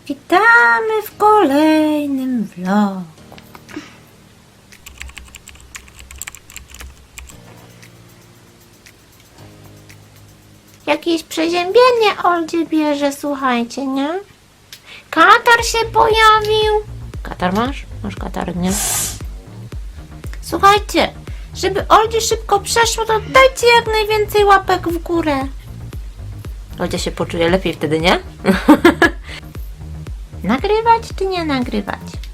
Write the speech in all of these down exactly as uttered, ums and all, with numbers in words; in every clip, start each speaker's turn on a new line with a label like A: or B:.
A: Witamy w kolejnym vlogu. Jakieś przeziębienie Oldzie bierze, słuchajcie, nie? Katar się pojawił. Katar masz? Masz katar, nie? Słuchajcie, żeby Oldzie szybko przeszło, to dajcie jak najwięcej łapek w górę. Oldzia się poczuje lepiej wtedy, nie? Nagrywać czy nie nagrywać?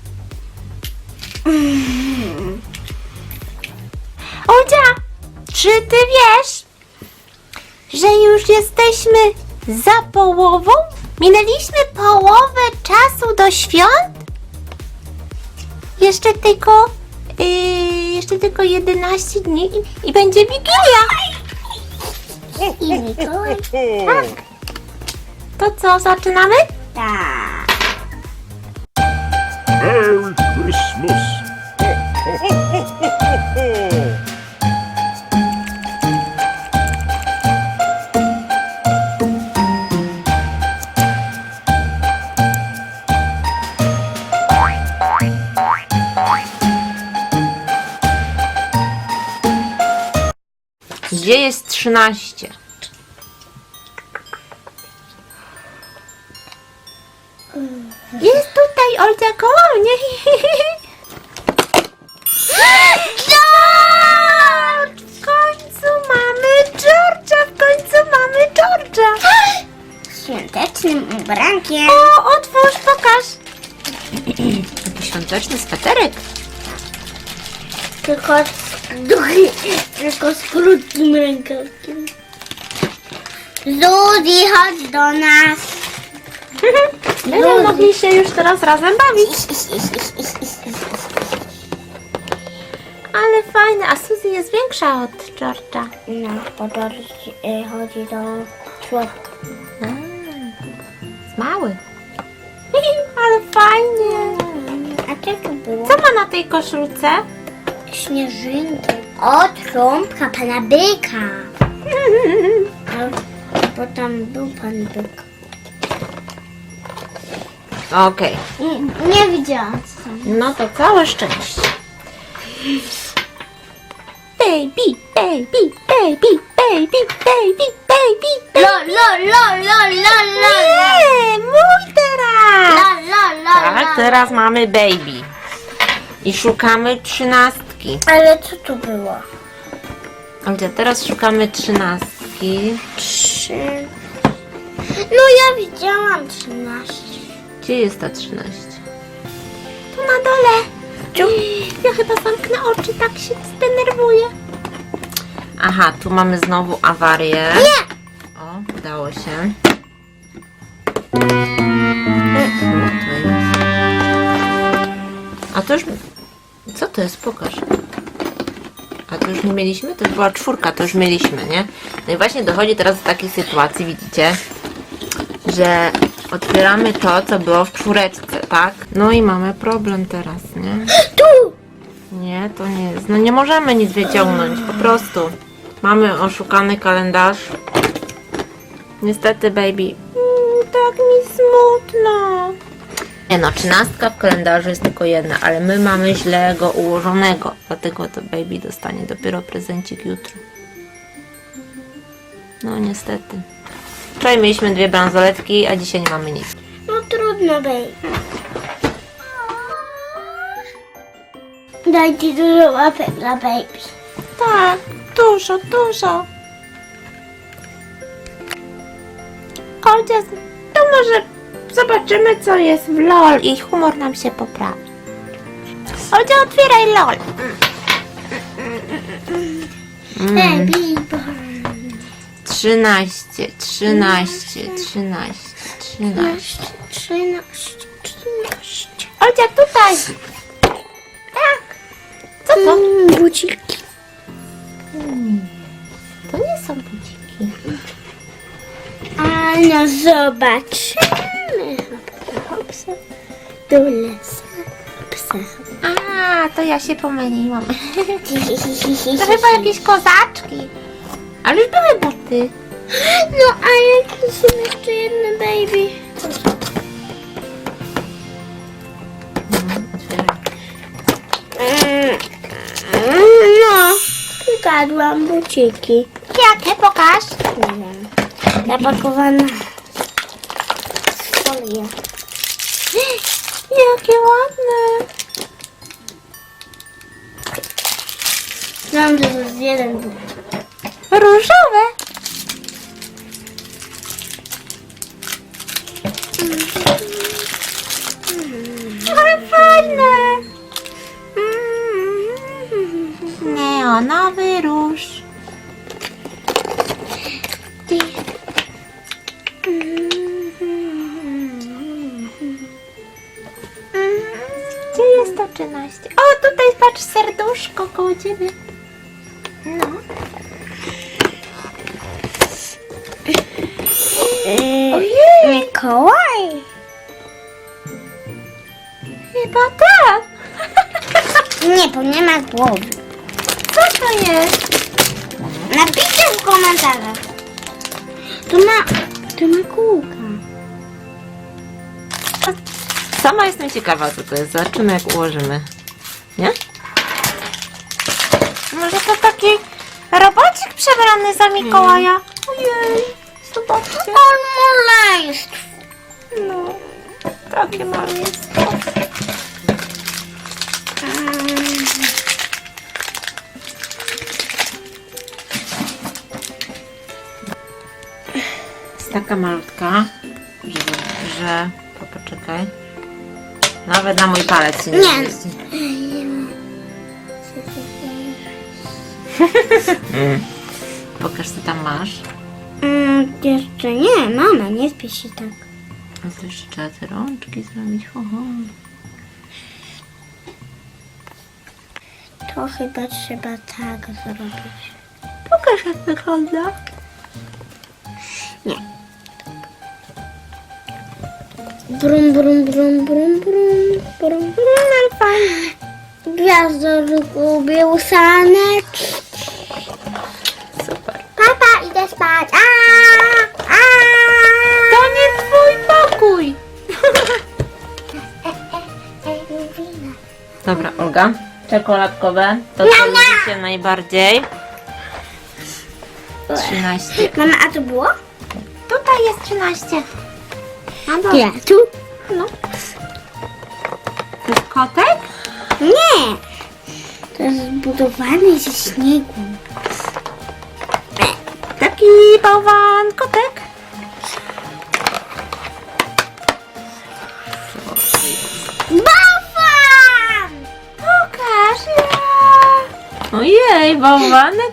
A: Oldzia, czy ty wiesz, że już jesteśmy za połową? Minęliśmy połowę czasu do świąt? Jeszcze tylko, yy, jeszcze tylko jedenaście dni i, i będzie Wigilia. I Mikołaj. Tak. To co, zaczynamy?
B: Tak.
C: Merry Christmas! Ho, ho, ho, ho, ho, ho.
A: Gdzie jest trzynaście? Jest tutaj, Oldzia, koło mnie. George! W końcu mamy George'a! W końcu mamy George'a!
B: Świątecznym ubrankiem.
A: O, otwórz, pokaż! Taki świąteczny sweterek.
B: Tylko z, duchy, tylko z krótkim rękawkiem. Zuzi, chodź do nas.
A: Będziemy mogli się już teraz razem bawić. Ale fajne, a Suzy jest większa od George'a.
B: No, bo to y, chodzi do członka.
A: A, jest mały. Ale fajnie.
B: A co to było?
A: Co ma na tej koszulce?
B: Śnieżynki. O, trąbka pana byka. A, bo tam był pan byk.
A: Okej.
B: Nie, nie widziałam co tam.
A: No to całe szczęście. Baby, baby, baby, baby, baby, baby,
B: Lo, lo, lo, lo, lo, lo.
A: Nie, mój teraz.
B: La, la, la,
A: Tak,
B: la.
A: teraz mamy baby. I szukamy trzynastki.
B: Ale co tu było?
A: Oldzia, teraz szukamy trzynastki.
B: Trzy. No ja widziałam trzynaście.
A: Gdzie jest ta trzynaście? Tu na dole. Ja chyba zamknę oczy, tak się zdenerwuję. Aha, tu mamy znowu awarię.
B: Nie!
A: O, udało się. O, to jest. A to już... Co to jest? Pokaż. A to już nie mieliśmy? To już była czwórka, to już mieliśmy, nie? No i właśnie dochodzi teraz do takiej sytuacji, widzicie, że otwieramy to, co było w czwóreczce, tak? No i mamy problem teraz, nie?
B: Tu!
A: Nie, to nie jest. No nie możemy nic wyciągnąć, po prostu. Mamy oszukany kalendarz. Niestety, baby. Mm, tak mi smutno. Nie no, trzynastka w kalendarzu jest tylko jedna, ale my mamy źle go ułożonego. Dlatego to baby dostanie dopiero prezencik jutro. No niestety. Wczoraj mieliśmy dwie bransoletki, a dzisiaj nie mamy nic.
B: No trudno, baby. Daj ci dużo łapek dla baby.
A: Tak, dużo, dużo. Oldzia, to może zobaczymy, co jest w LOL i humor nam się poprawi. Oldzia, otwieraj LOL. Mm.
B: Baby.
A: Trzynaście, trzynaście, trzynaście, trzynaście.
B: Trzynaście, trzynaście.
A: Oldzia, tutaj. Tak. Co to?
B: Mm, buciki.
A: To nie są buciki.
B: A no zobaczymy. Hopsa. Do lesa. Hopsa.
A: A, to ja się pomyliłam. To chyba jakieś kozaczki. Ale już były buty.
B: No a jakie są jeszcze jedne baby? Znalazłam buciki.
A: Jakie? Pokaż.
B: Nie wiem. Zapakowane w folię.
A: Jakie ładne.
B: Znam, że to jest jeden bucik.
A: Różowe. Ale fajne. Neonowy róż. Gdzie jest to trzynaście? O, tutaj patrz, serduszko koło ciebie. No.
B: Ojej! Mikołaj!
A: Chyba tak.
B: Nie, bo nie ma głowy.
A: Co to jest?
B: Napiszcie w komentarzach. To ma, to ma kółka.
A: Sama jestem ciekawa, co to jest. Zobaczymy, jak ułożymy. Nie? Może to taki robocik przebrany za Mikołaja? Ojej, zobaczcie.
B: On malejstw.
A: No, takie malutkie. Jest taka malutka, że, że... O, poczekaj. Nawet na mój palec się nie
B: Nie.
A: mieści. Pokaż, co tam masz.
B: Mm, jeszcze nie, mama, nie spiesz się tak.
A: A to jeszcze trzeba te rączki zrobić. Ho, ho.
B: To chyba trzeba tak zrobić.
A: Pokaż, jak wygląda.
B: Nie. Brum, brum, brum, brum, brum, brum, brum, ale fajnie. Gwiazdorku, białusanek.
A: Super.
B: Papa, idę spać. A, a.
A: To nie twój pokój. Dobra, Olga. Czekoladkowe. To co lubicie najbardziej. trzynaście.
B: Mama, a to było?
A: Tutaj jest trzynaście. A
B: Ja, tu?
A: No. To jest kotek?
B: Nie. To jest zbudowane ze śniegu.
A: Taki bałwan kotek.
B: Bałwan!
A: Pokaż. Ja. Ojej, bałwanek.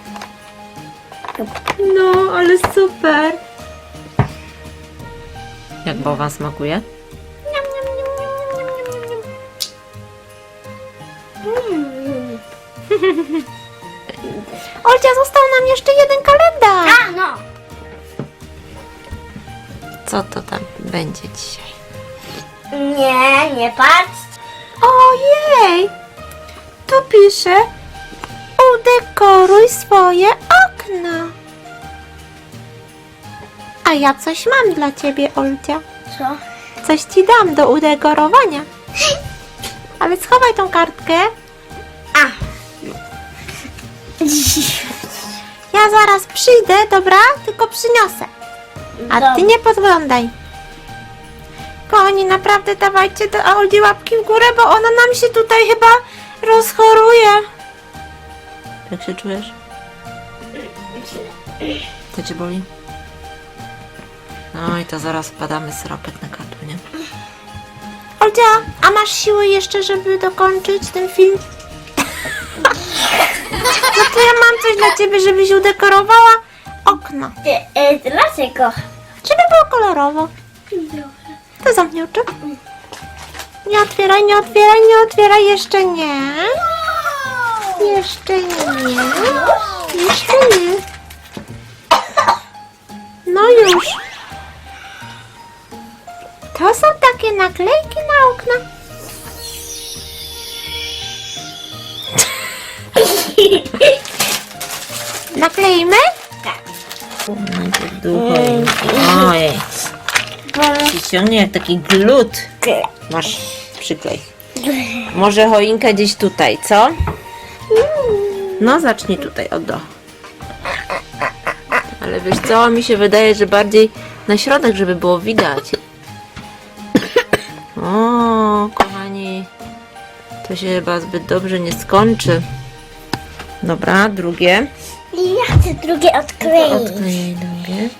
A: No, ale super. Jak bałwan smakuje? Olcia, został nam jeszcze jeden kalendarz.
B: A, no.
A: Co to tam będzie dzisiaj?
B: Nie, nie patrz.
A: Ojej! Tu pisze: udekoruj swoje okno. A ja coś mam dla ciebie, Olcia.
B: Co?
A: Coś ci dam do udekorowania. Ale schowaj tą kartkę.
B: A.
A: Ja zaraz przyjdę, dobra? Tylko przyniosę. A ty nie podglądaj. Kochani, naprawdę dawajcie do Olgi łapki w górę, bo ona nam się tutaj chyba rozchoruje. Jak się czujesz? Co cię boli? No i to zaraz wpadamy syropek na gardło, nie? Oldzia, a masz siły jeszcze, żeby dokończyć ten film? No to ja mam coś dla ciebie, żebyś udekorowała okno.
B: E, e, dlaczego?
A: Żeby było kolorowo. To zamknij oczy. Nie otwieraj, nie otwieraj, nie otwieraj, jeszcze nie. Jeszcze nie. Jeszcze nie. No już. To są takie naklejki na okna. Nakleimy?
B: Tak.
A: Najpierw długo. Ojej. Ciągnie jak taki glut. Masz, przyklej. Może choinkę gdzieś tutaj, co? No zacznij tutaj od do. Ale wiesz co, mi się wydaje, że bardziej na środek, żeby było widać. O, kochani, to się chyba zbyt dobrze nie skończy. Dobra, drugie.
B: I ja chcę drugie odkleić.
A: Odklejaj drugie.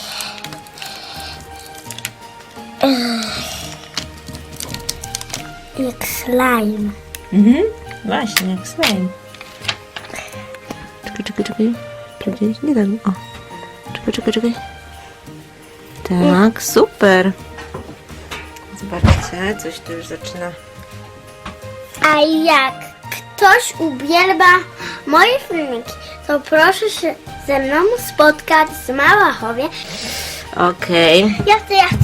B: Jak slime.
A: Mhm, właśnie, jak slime. Czekaj, czekaj, czekaj. Tu gdzieś, nie tak. O. Czekaj, czekaj, czekaj. Tak, super. Zobaczcie, coś tu już zaczyna.
B: A jak ktoś uwielbia moje filmiki, to proszę się ze mną spotkać w Malachowie.
A: Okej.
B: Ja chcę, ja chcę.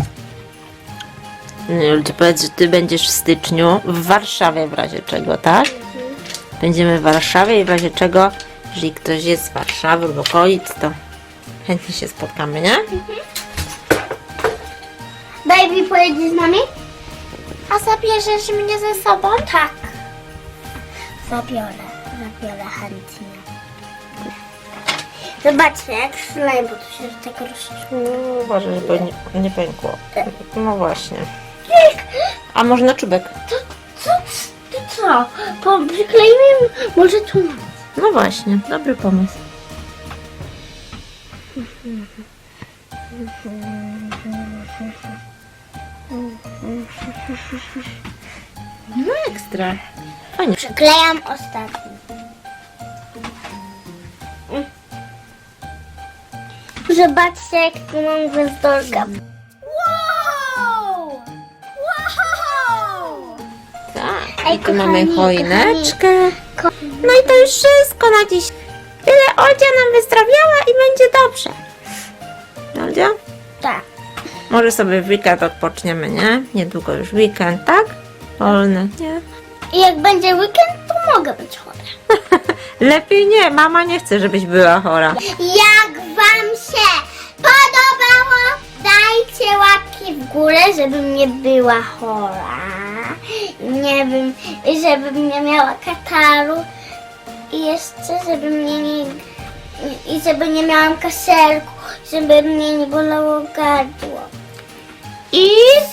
A: Okay. Powiedz, że ty będziesz w styczniu w Warszawie w razie czego, tak? Będziemy w Warszawie i w razie czego, jeżeli ktoś jest z Warszawy lub okolic, to chętnie się spotkamy, nie?
B: Baby, pojedziesz z nami? A zabierzesz mnie ze sobą? Tak. Zabiorę, zabiorę chętnie. Zobaczcie, jak slime, bo tu się tak rozczuło.
A: No, uważaj, żeby nie, nie pękło. No właśnie. A może na czubek?
B: Co, co, ty co? Po, przykleimy może tu na.
A: No właśnie, dobry pomysł. No ekstra. Fajnie.
B: Przyklejam ostatni. Zobaczcie, jak tu mam gwiazdorka. Wow! Wow!
A: Tak.
B: Ej,
A: I tu mamy
B: kochani,
A: choineczkę.
B: Ko-
A: No i to już wszystko na dziś. Tyle Oldzia nam wyzdrowiała i będzie dobrze. Oldzia?
B: Tak.
A: Może sobie w weekend odpoczniemy, nie? Niedługo już weekend, tak? Wolny, nie?
B: I jak będzie weekend, to mogę być chora.
A: Lepiej nie, mama nie chce, żebyś była chora.
B: Jak wam się podobało, dajcie łapki w górę, żebym nie była chora. Nie wiem, żebym nie miała kataru. I jeszcze, żeby mnie nie... I żeby nie miałam kaszelku, żeby mnie nie bolało gardło.
A: I